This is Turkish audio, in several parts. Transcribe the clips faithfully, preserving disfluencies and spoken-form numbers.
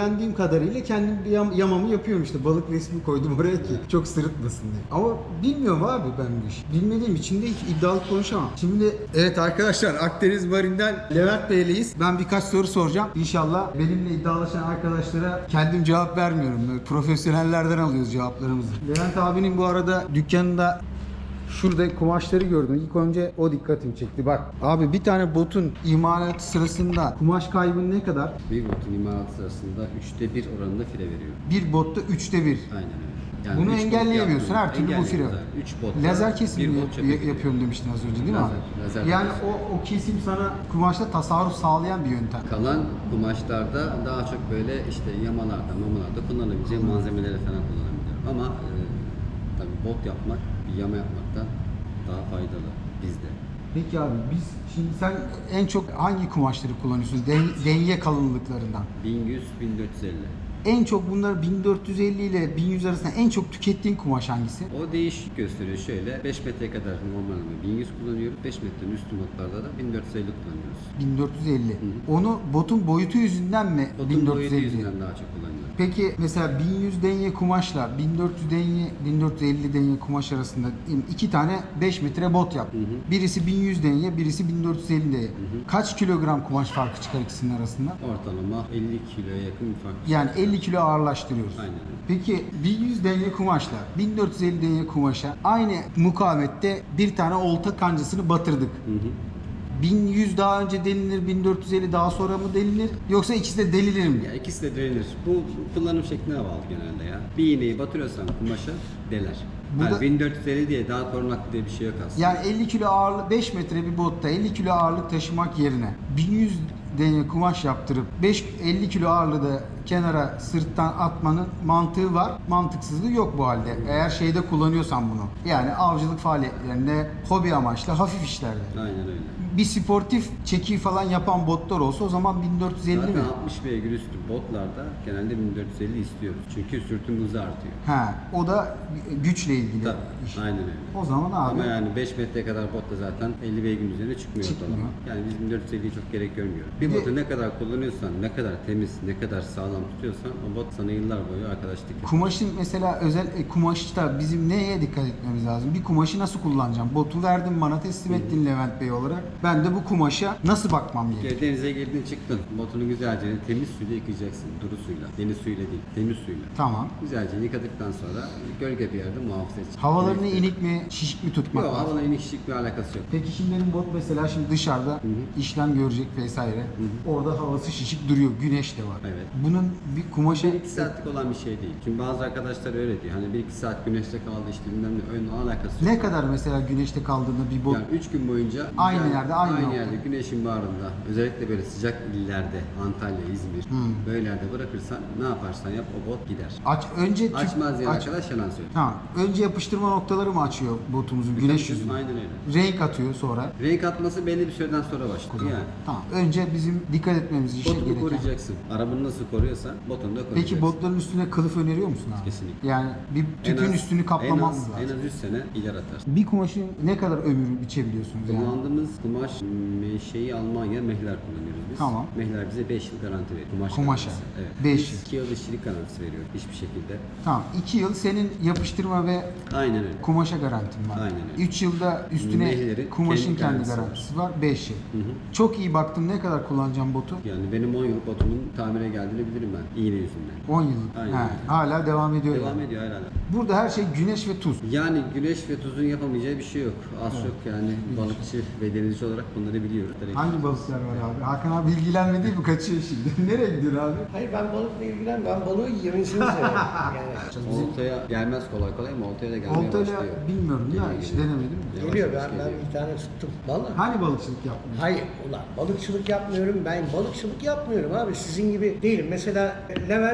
öğrendiğim kadarıyla kendim bir yam, yamamı yapıyorum işte. Balık resmi koydum oraya ki çok sırıtmasın diye. Ama bilmiyorum abi ben bu işi. Bilmediğim için de hiç iddialı konuşamam. Şimdi evet arkadaşlar, Akdeniz Marin'den Levent Bey'leyiz. Ben birkaç soru soracağım. İnşallah benimle iddialaşan arkadaşlara kendim cevap vermiyorum. Böyle profesyonellerden alıyoruz cevaplarımızı. Levent abinin bu arada dükkanında şurada kumaşları gördüm. İlk önce o dikkatimi çekti. Bak abi, bir tane botun imalatı sırasında kumaş kaybı ne kadar? Bir botun imalatı sırasında üçte bir oranında file veriyor. Bir botta üçte bir. Aynen öyle. Yani Bunu üç bot engelleyemiyorsun. Her türlü bu file. üç bot. Lazer kesim yap- yapıyorum demiştin az önce değil mi Lazer, abi? lazer Yani kesim. o, o kesim sana kumaşta tasarruf sağlayan bir yöntem. Kalan kumaşlarda daha çok böyle işte yamalarda, mamalarda kullanabileceğim malzemeleri falan kullanabiliyorum. Ama e, tabii bot yapmak, bir yama yapmaktan daha faydalı bizde. Peki abi, biz şimdi sen en çok hangi kumaşları kullanıyorsun? Den- denye kalınlıklarından. bin yüz bin dört yüz elli. En çok bunlar bin dört yüz elli ile bin yüz arasında en çok tükettiğin kumaş hangisi? O değişik gösteriyor şöyle. beş metreye kadar normalde bin yüz kullanıyoruz. beş metrenin üstü botlarda da bin dört yüz elli kullanıyoruz. bin dört yüz elli. Onu botun boyutu yüzünden mi Botun bin dört boyutu yüz elli? yüzünden daha çok kullanıyoruz. Peki mesela bin yüz denye kumaşla bin dört yüz denye, bin dört yüz elli denye kumaş arasında iki tane beş metre bot yap. Hı hı. Birisi bin yüz denye, birisi bin dört yüz elli denye. Hı hı. Kaç kilogram kumaş farkı çıkar ikisinin arasında? Ortalama elli kiloya yakın bir fark. Yani elli kilo ağırlaştırıyoruz. Aynen öyle. Peki bin yüz denye kumaşla bin dört yüz elli denye kumaşa aynı mukavette bir tane olta kancasını batırdık. Hı hı. bin yüz daha önce delilir, bin dört yüz elli daha sonra mı delilir? Yoksa ikisi de delilir mi? Ya ikisi de denilir. Bu kullanım şekline bağlı genelde ya. Bir iğneyi batırıyorsan kumaşa deler. Bu Yani da- bin dört yüz elli diye daha korunaklı diye bir şey yok aslında. Yani elli kilo ağırlık, beş metre bir botta elli kilo ağırlık taşımak yerine bin yüz denye kumaş yaptırıp beş elli kilo ağırlığı da kenara sırttan atmanın mantığı var. Mantıksızlığı yok bu halde. Eğer şeyde kullanıyorsan bunu. Yani avcılık faaliyetlerinde, hobi amaçlı, hafif işlerde. Aynen öyle. Bir sportif çeki falan yapan botlar olsa o zaman bin dört yüz elli Zaten mi? altmış beygir üstü botlarda genelde bin dört yüz elli istiyoruz. Çünkü sürtüm hızı artıyor. Ha, o da güçle ilgili Tabii. iş. Aynen öyle. O zaman abi Ama yani beş metreye kadar botla zaten elli beygirin üzerine çıkmıyor, Çıkmıyor. ortalama. Yani biz bin dört yüz elliyi çok gerek görmüyoruz. Bir Bir de- botu ne kadar kullanıyorsan, ne kadar temiz, ne kadar sağlam tutuyorsan o bot sana yıllar boyu arkadaşlık yapıyor. kumaşın mesela özel e, kumaşta bizim neye dikkat etmemiz lazım? Bir kumaşı nasıl kullanacağım? Botu verdin bana, teslim ettin Levent Bey olarak. Ben de bu kumaşa nasıl bakmam gerekiyor? Denize girdin çıktın. Botunu güzelce temiz suyla yıkayacaksın. Duru suyla. Deniz suyuyla değil. Temiz suyla. Tamam. Güzelce yıkadıktan sonra gölge bir yerde muhafaza edeceksin. Havalarını Evet. inik mi, şişik mi tutmak Yok, lazım? havalı inik şişik bir alakası yok. Peki şimdi benim bot mesela şimdi dışarıda hı. işlem görecek vesaire. Orada havası şişik duruyor. Güneş de var. Evet. Bunun bir kumaşa bir iki saatlik olan bir şey değil. Çünkü bazı arkadaşlar öyle diyor. Hani bir iki saat güneşte kaldı işte bilmem ne. Öyle alakası yok. ne kadar mesela güneşte kaldığında bir bot Yani üç gün boyunca Aynı güzel- yerde, aynı nokta. yerde güneşin bağrında özellikle böyle sıcak illerde Antalya, İzmir böyle yerde bırakırsan ne yaparsan yap o bot gider. aç önce tüp- Açmaz diyen aç- arkadaş yalan söylüyor. Tamam. Önce yapıştırma noktaları mı açıyor botumuzun güneş Tabii, yüzünü? Aynen öyle. Renk atıyor sonra. Renk atması belli bir süreden sonra başlıyor yani. Tamam. Önce bizim dikkat etmemiz için Botunu gereken. koruyacaksın. Arabanı nasıl koruyorsan botunu da koruyacaksın. Peki botların üstüne kılıf öneriyor musun abi? Kesinlikle. Yani bir En tüpün az- üstünü en kaplamamız az, lazım. En az üç sene ileri atarsın. Bir kumaşın ne kadar ömrü biçebiliyorsunuz yani? Kullandığımız kumaş şeyi Almanya mehler kullanıyoruz biz. Tamam. Mehler bize beş yıl garanti veriyor. Kumaş Kumaşa. garantisi. Evet. Beş Biz yıl. iki yıl işçilik garantisi veriyor hiçbir şekilde. Tamam. iki yıl senin yapıştırma ve Aynen öyle. kumaşa garantin var. Aynen öyle. üç yılda üstüne Mehlerin kumaşın kendi kendi garantisi garantisi var. beş yıl. Hı hı. Çok iyi baktım, ne kadar kullanacağım botu? Yani benim on yıl botumun tamire geldiğini bilirim ben. İğne yüzünden. on yıl. Aynen. Ha, hala devam ediyor. Devam yani. ediyor herhalde. Burada her şey güneş ve tuz. Yani güneş ve tuzun yapamayacağı bir şey yok. Az çok yani balıkçı ve denizci olarak bunları biliyoruz. Hangi balıklar var abi? Hakan abi ilgilenmedi mi? Kaçıyor şimdi. Nereye gidiyor abi? Hayır ben balıkla ilgilen, ben balığı yemesini severim. Yani Oltaya gelmez kolay kolay ama oltaya da gelmeye Oltayla başlıyor. bilmiyorum ya, Geliyor, hiç geliyor. denemedim. Yavaş geliyor yavaş ben, ben geliyor. bir tane tuttum. Vallahi. Hani balıkçılık yapmıyor? Hayır ulan balıkçılık yapmıyorum, ben balıkçılık yapmıyorum abi, sizin gibi değilim. Mesela Levent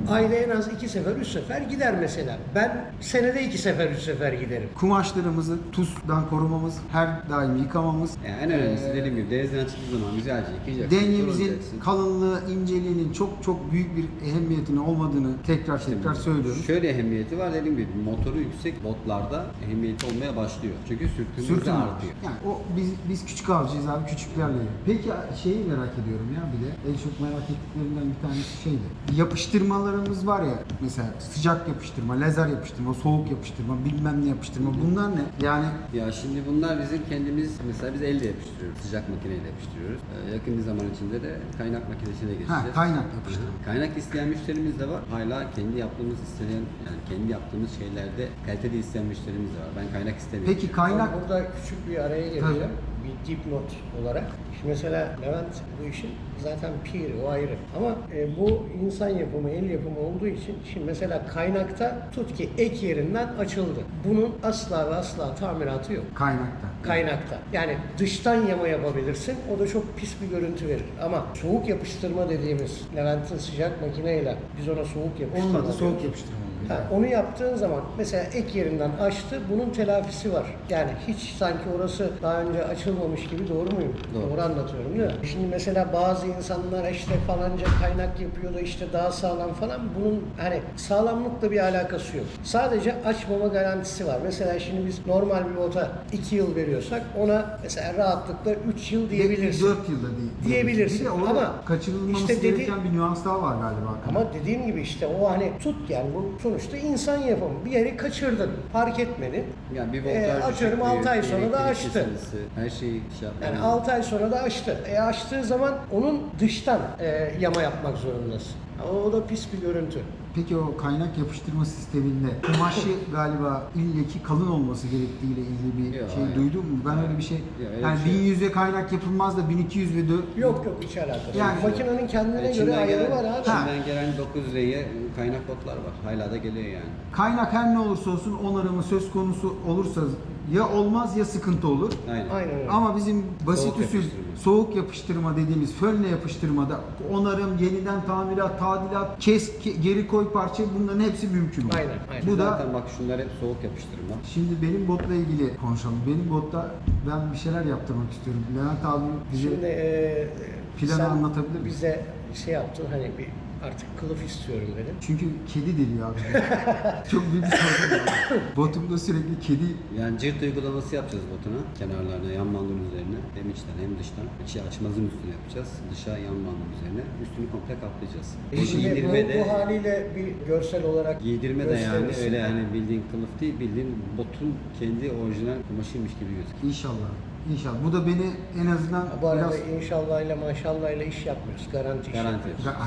ayda en az iki sefer, üç sefer gider mesela. Ben senede iki sefer, üç sefer giderim. Kumaşlarımızı tuzdan korumamız, her daim yıkamamız, Yani en önemlisi dediğim gibi denizden çıktığı zaman güzelce yıkayacaksın. denyemizin kurulacaksın. kalınlığı, inceliğinin çok çok büyük bir ehemmiyetinin olmadığını tekrar tekrar söylüyorum. Şöyle ehemmiyeti var dediğim gibi motoru yüksek botlarda ehemmiyeti olmaya başlıyor. Çünkü sürtünmesi Sürtünme artıyor. Yani o biz biz küçük avcıyız abi, küçüklerle. Peki şeyi merak ediyorum ya, bir de en çok merak ettiklerimden bir tanesi şeydi. Yapıştırmalarımız var ya, mesela sıcak yapıştırma, lazer yapıştırma, soğuk yapıştırma, bilmem ne yapıştırma. Bunlar ne? Yani Ya şimdi bunlar bizim kendimiz mesela biz elle yapıştırıyoruz. Sıcak makineyle yapıştırıyoruz. Ee, yakın bir zaman içinde de kaynak makinesine geçeceğiz. ha, kaynak yapıştırma. Kaynak isteyen müşterimiz de var. Hala kendi yaptığımız isteyen yani kendi yaptığımız şeylerde kaliteli isteyen müşterimiz de var. Ben kaynak istemiyorum. Peki kaynak Ben burada küçük bir araya gireceğim. Bir dipnot olarak. Şimdi mesela Levent bu işin zaten piri, o ayrı. Ama e, bu insan yapımı, el yapımı olduğu için şimdi mesela kaynakta tut ki ek yerinden açıldı. Bunun asla ve asla tamiratı yok. kaynakta. Kaynakta. Yani dıştan yama yapabilirsin. O da çok pis bir görüntü verir. Ama soğuk yapıştırma dediğimiz Levent'in sıcak makineyle biz ona soğuk yapıştırma Olmadı soğuk diyoruz. yapıştırma oluyor. Ha, onu yaptığın zaman mesela ek yerinden açtı, bunun telafisi var. Yani hiç sanki orası daha önce açılmamış gibi, doğru muyum? Doğru. Doğru anlatıyorum değil mi? Şimdi mesela bazı insanlar işte falanca kaynak yapıyor da işte daha sağlam falan, bunun hani sağlamlıkla bir alakası yok. Sadece açmama garantisi var. Mesela şimdi biz normal bir bota iki yıl veriyorsak ona mesela rahatlıkla üç yıl diyebilirsin. dört yılda değil. Diyebilirsin. Bir de orada Ama kaçırılmaması işte dedi- gereken bir nüans daha var galiba. Ama dediğim gibi işte o hani tut yani bu sonuçta insan yapımı. Bir yeri kaçırdın, fark etmedin. yani bir Ee, voltaj atıyorum düşüklüğü, altı ay sonra da elektrik açtı. kesintisi, her şeyi şey yapman Yani lazım. altı ay sonra da açtı. E açtığı zaman onun dıştan e, yama yapmak zorundasın. O, o da pis bir görüntü. Peki o kaynak yapıştırma sisteminde kumaşı galiba illeki kalın olması gerektiğiyle ilgili bir Yok, şey hayır. duydun mu? Ben öyle bir şey, öyle yani bir şey bin yok. yüze kaynak yapılmaz da bin iki yüz ve dö- Yok yok, hiç alakası Yani- yok. Makinenin kendine göre İçinden ayarı gelen, var abi. içinden gelen dokuz R'ye kaynak botlar var. Hala da geliyor yani. kaynak her ne olursa olsun onarımı söz konusu olursa ya olmaz ya sıkıntı olur. Aynen. Aynen öyle. Ama bizim basit Soğuk usul yapıştırma. soğuk yapıştırma dediğimiz fönle yapıştırmada onarım, yeniden tamirat, tadilat, kes, ke- geri koy parça, bunların hepsi mümkün. Aynen, aynen. Bu da Zaten bak şunlar hep soğuk yapıştırma. şimdi benim botla ilgili konuşalım. Benim botta ben bir şeyler yaptırmak istiyorum. Levent abi bize Şimdi e, planı sen anlatabilir misin? bize şey yaptın, hani bir artık kılıf istiyorum dedin. çünkü kedi deliyor abi. Çok büyük bir sorun var. Botumda sürekli kedi. Yani cirt uygulaması yapacağız botuna. Kenarlarına, yan bandın üzerine. Hem içten hem dıştan. İçi açmazın üstüne yapacağız. Dışa yan bandın üzerine. Üstünü komple kaplayacağız. E Bu şimdi giydirme bu, de, bu haliyle bir görsel olarak giydirme de yani gösterirsin. öyle yani bildiğin kılıf değil, bildiğin botun kendi orijinal kumaşıymış gibi gözüküyor. İnşallah. İnşallah. Bu da beni en azından Bu arada biraz... inşallah ile maşallah ile iş yapmıyoruz. Garanti iş Garanti. yapıyoruz.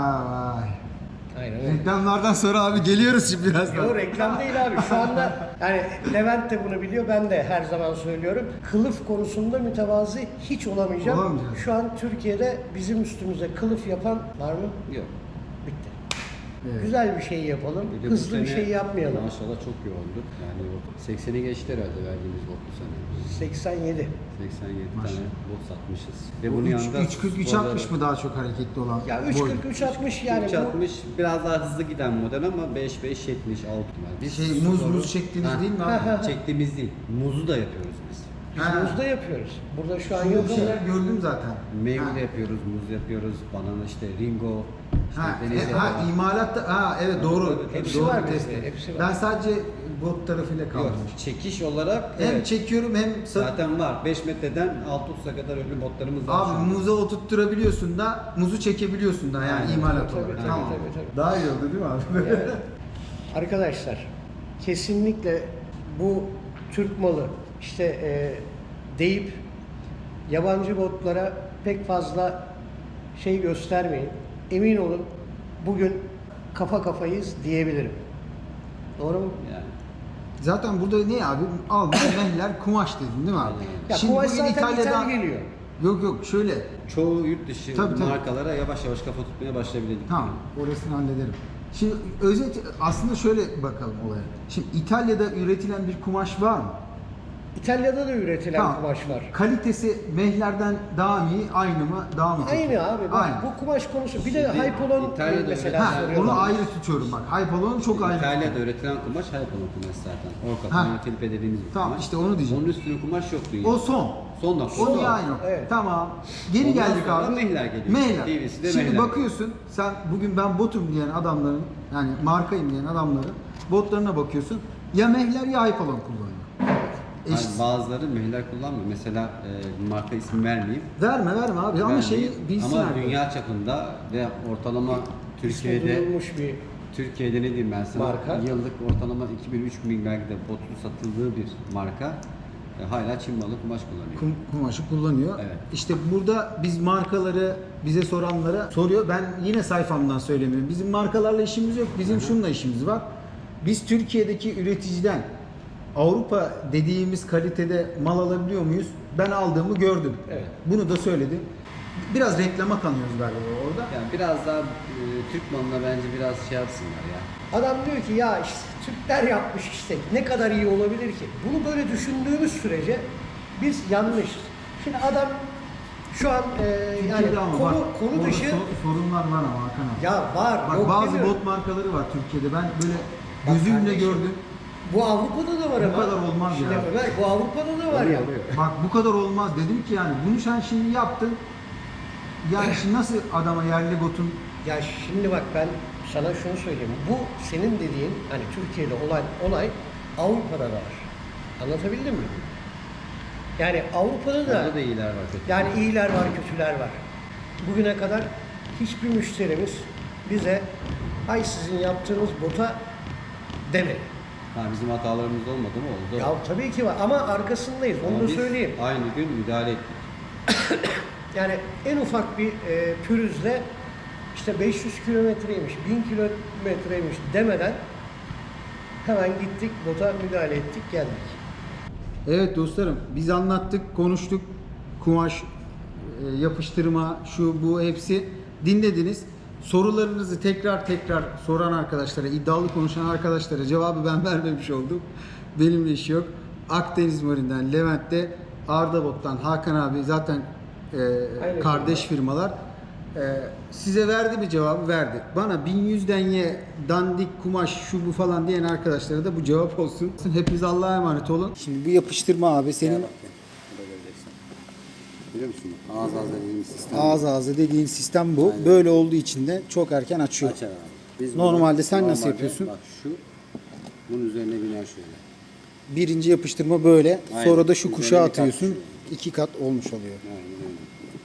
Ha vay. Aynen öyle. Reklamlardan sonra abi geliyoruz şimdi birazdan. Yo, reklam değil abi. Şu anda yani Levent de bunu biliyor. Ben de her zaman söylüyorum. Kılıf konusunda mütevazı hiç olamayacağım. Olamayacağız. Şu an Türkiye'de bizim üstümüze kılıf yapan var mı? Yok. Bitti. Evet. Güzel bir şey yapalım. Bir de bu Hızlı bir sene şey yapmayalım. Maşallah çok yoğundu. Yani o sekseni geçti herhalde verdiğimiz bot bu sene. seksen yedi. seksen yedi Maşallah. tane bot satmışız. Ve Bu bunun üç- yanında üç kırk üç altmış mı daha çok hareketli olan? Ya üç boy? kırk üç altmış yani üç altmış biraz daha hızlı giden model ama beş beş yetmiş altı var. Biz Şey, muz sporu- muz çektiğiniz Ha, değil mi Ha, ha. abi? Çektiğimiz değil. Muzu da yapıyoruz biz. bu Ha. biz muzda yapıyoruz. Burada şu an Şurada yok bir ama şeyler gördüm zaten. Meyve Ha. de yapıyoruz, muz yapıyoruz, banana işte ringo, işte Ha, deniz e, ha yaprağı. imalatta, ha evet doğru. tabii. Hepsi doğru var tespit. bizde, hepsi var. Ben sadece bot tarafıyla Yok, kaldım. çekiş olarak Hem evet, çekiyorum hem sa- zaten var. beş metreden altı otuz'a kadar öyle botlarımız var. şu abi anda. muza oturtturabiliyorsun da muzu çekebiliyorsun da yani Aynen. imalat Tabii, olarak. tabii, Tamam. tabii, tabii. Daha iyi oldu değil mi abi? Yani, arkadaşlar kesinlikle bu Türk malı işte e, deyip yabancı botlara pek fazla şey göstermeyin. Emin olun bugün kafa kafayız diyebilirim. Doğru mu? Yani. Zaten burada ne abi? Alman mehler kumaş dedin değil mi abi? Ya Şimdi kumaş bugün zaten İtalya'da ithal geliyor. Yok yok şöyle. Çoğu yurt dışı Tabii, tabii. markalara yavaş yavaş kafa tutmaya başlayabildik. Tamam, orasını hallederim. Şimdi özet aslında şöyle bakalım olaya. Şimdi İtalya'da üretilen bir kumaş var mı? İtalya'da da üretilen Tamam. kumaş var. Kalitesi mehlerden daha mı iyi, aynı mı, daha mı kötü? Aynı abi. Bak, Aynı. bu kumaş konusu. Bir de Şimdi Hypolon İtalya'da mesela Ha, soruyorlar. onu ayrı tutuyorum bak. Hypolon'u çok ayrı İtalya'da tutuyorum. üretilen kumaş Hypalon kumaş zaten. Orka, Ha. yani Filipe dediğimiz bir Tamam, kumaş. işte onu diyeceğim. Onun üstüne kumaş yok dünyada. O son. Son nokta. O niye aynı? Evet. Tamam. Geri Ondan geldik sonra abi. mehler geliyor. Mehler. T V'si de Şimdi mehler bakıyorsun sen bugün ben botum diyen adamların yani markayım diyen adamların botlarına bakıyorsun. Ya mehler ya Hypolon kullanıyor. Yani Eşit. bazıları mehler kullanmıyor. Mesela e, marka ismi vermeyeyim. Verme verme abi ama Vermeyeyim. şeyi bilsin Ama arkadaş. dünya çapında ve ortalama İsmi Türkiye'de duyulmuş bir Türkiye'de ne diyeyim ben sana? Marka. Yıllık ortalama iki bin üç bin belki de botun satıldığı bir marka. E, hala Çin malı kumaş kullanıyor. Kum, kumaşı kullanıyor. Evet. İşte burada biz markaları bize soranlara soruyor. Ben yine sayfamdan söylemiyorum. Bizim markalarla işimiz yok. Bizim şununla işimiz var. Biz Türkiye'deki üreticiden Avrupa dediğimiz kalitede mal alabiliyor muyuz? Ben aldığımı gördüm. Evet. Bunu da söyledim. Biraz reklama kanıyoruz galiba orada. Yani biraz daha e, Türk malına bence biraz şey yapsınlar ya. adam diyor ki ya işte Türkler yapmış işte ne kadar iyi olabilir ki? Bunu böyle düşündüğümüz sürece biz yanlış. Şimdi adam şu an e, yani Türkiye'de ama konu, bak, konu orada dışı so- sorunlar var ama Hakan abi. ya var. Bak yok bazı demiyorum. bot markaları var Türkiye'de. Ben böyle Bak gözümle kardeşim, gördüm. Bu Avrupa'da da var Bu ama. kadar olmaz Şimdi ya. Ömer, bu Avrupa'da da var Oluyor, ya. oluyor. Bak bu kadar olmaz dedim ki yani bunu sen şimdi yaptın. Yani şimdi nasıl adama yerli botun Ya şimdi bak ben sana şunu söyleyeyim. Bu senin dediğin hani Türkiye'de olay olay Avrupa'da da var. Anlatabildim mi? Yani Avrupa'da da Orada da iyiler var. kötü. yani iyiler var, kötüler var. Bugüne kadar hiçbir müşterimiz bize ay sizin yaptığınız bota demedi. Ha, bizim hatalarımız olmadı mı? Oldu. Ya tabii ki var ama arkasındayız. Onu Ama da biz söyleyeyim. Aynı gün müdahale ettik. Yani en ufak bir e, pürüzle işte beş yüz kilometreymiş, bin kilometreymiş demeden hemen gittik, bota müdahale ettik, geldik. Evet dostlarım biz anlattık, konuştuk. Kumaş, e, yapıştırma, şu bu hepsi dinlediniz. Sorularınızı tekrar tekrar soran arkadaşlara, iddialı konuşan arkadaşlara cevabı ben vermemiş oldum. Benimle iş yok. Akdeniz Marin'den, Levent'te, Arda Bot'tan Hakan abi zaten e, kardeş firmalar. E, size verdi mi cevabı? Verdi. Bana bin yüzden ye dandik kumaş şu bu falan diyen arkadaşlara da bu cevap olsun. Hepiniz Allah'a emanet olun. Şimdi bu yapıştırma abi senin Gel bak gel. Burada göreceksin. Biliyor musun? Ağız ağız dediğimiz sistem. ağız ağzı dediğin sistem bu. Aynen. Böyle olduğu için de çok erken açıyor. Açar abi. Biz Normalde bunu- sen nasıl normalde yapıyorsun? Bak şu. Bunun üzerine biner şöyle. Birinci yapıştırma böyle. Aynen. Sonra da şu Üzerine kuşağı bir kat atıyorsun. düşüyor. İki kat olmuş oluyor. Aynen öyle.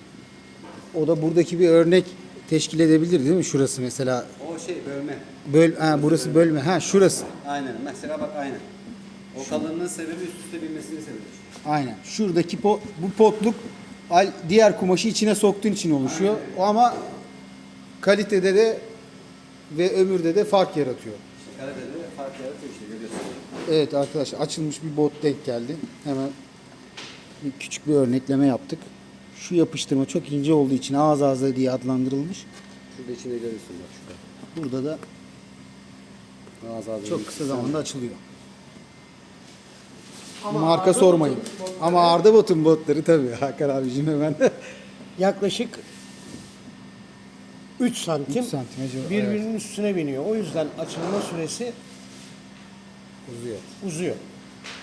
O da buradaki bir örnek teşkil edebilir değil mi? Şurası mesela. O şey bölme. Böl, ha, burası bölme. Ha şurası. Aynen. Mesela bak aynen. O kalınlığın sebebi üst üste binmesinin sebebi. Aynen. Şuradaki po- bu potluk al- diğer kumaşı içine soktuğun için oluşuyor. O ama kalitede de ve ömürde de fark yaratıyor. İşte kalitede fark yaratıyor işte görüyorsun. Evet arkadaşlar açılmış bir bot denk geldi. Hemen bir küçük bir örnekleme yaptık. Şu yapıştırma çok ince olduğu için ağız ağza diye adlandırılmış. Şurada içinde görüyorsun bak şurada. Burada da Ağız ağız çok kısa zamanda açılıyor. Ama Marka Arda sormayın. Bot'un botları- Ama Arda Bot'un botları tabii Hakan abicim hemen. Yaklaşık üç santim, üç santim acaba, birbirinin üstüne biniyor. O yüzden açılma süresi Uzuyor. uzuyor.